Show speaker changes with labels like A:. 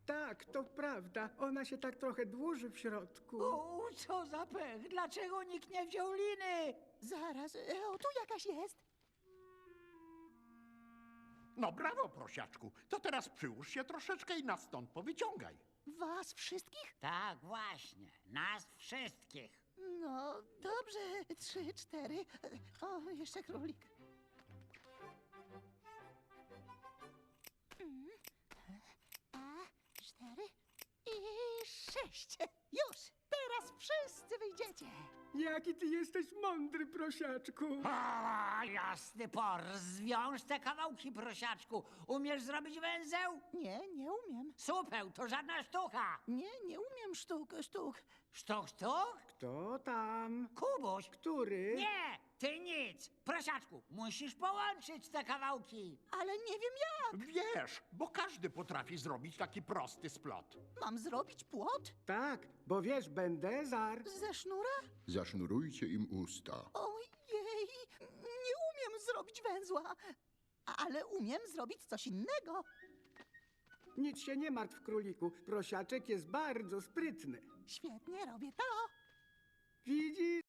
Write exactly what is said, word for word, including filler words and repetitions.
A: Tak, to prawda. Ona się tak trochę dłuży w środku.
B: U, co za pech! Dlaczego nikt nie wziął liny?
C: Zaraz, e, o tu jakaś jest.
D: No brawo, prosiaczku. To teraz przyłóż się troszeczkę i nas stąd powyciągaj.
C: Was wszystkich?
B: Tak, właśnie. Nas wszystkich.
C: No, dobrze. Trzy, cztery. O, jeszcze królik. Mm. A, cztery i sześć. Już! Teraz wszyscy wyjdziecie.
A: Jaki ty jesteś mądry, prosiaczku.
B: A, jasny por, zwiąż te kawałki, prosiaczku. Umiesz zrobić węzeł?
C: Nie, nie umiem.
B: Supeł, to żadna sztuka.
C: Nie, nie umiem sztuk, sztuk.
B: Sztuk, sztuk?
A: Kto tam?
B: Kubuś.
A: Który?
B: Nie, ty nic. Prosiaczku, musisz połączyć te kawałki.
C: Ale nie wiem jak.
D: Wiesz, bo każdy potrafi zrobić taki prosty splot.
C: Mam zrobić płot?
A: Tak, bo wiesz, Bendezar.
C: Ze sznura?
E: Zasznurujcie im usta.
C: Ojej, nie umiem zrobić węzła. Ale umiem zrobić coś innego.
A: Nic się nie martw, króliku. Prosiaczek jest bardzo sprytny.
C: Świetnie robię to.
A: Widzisz?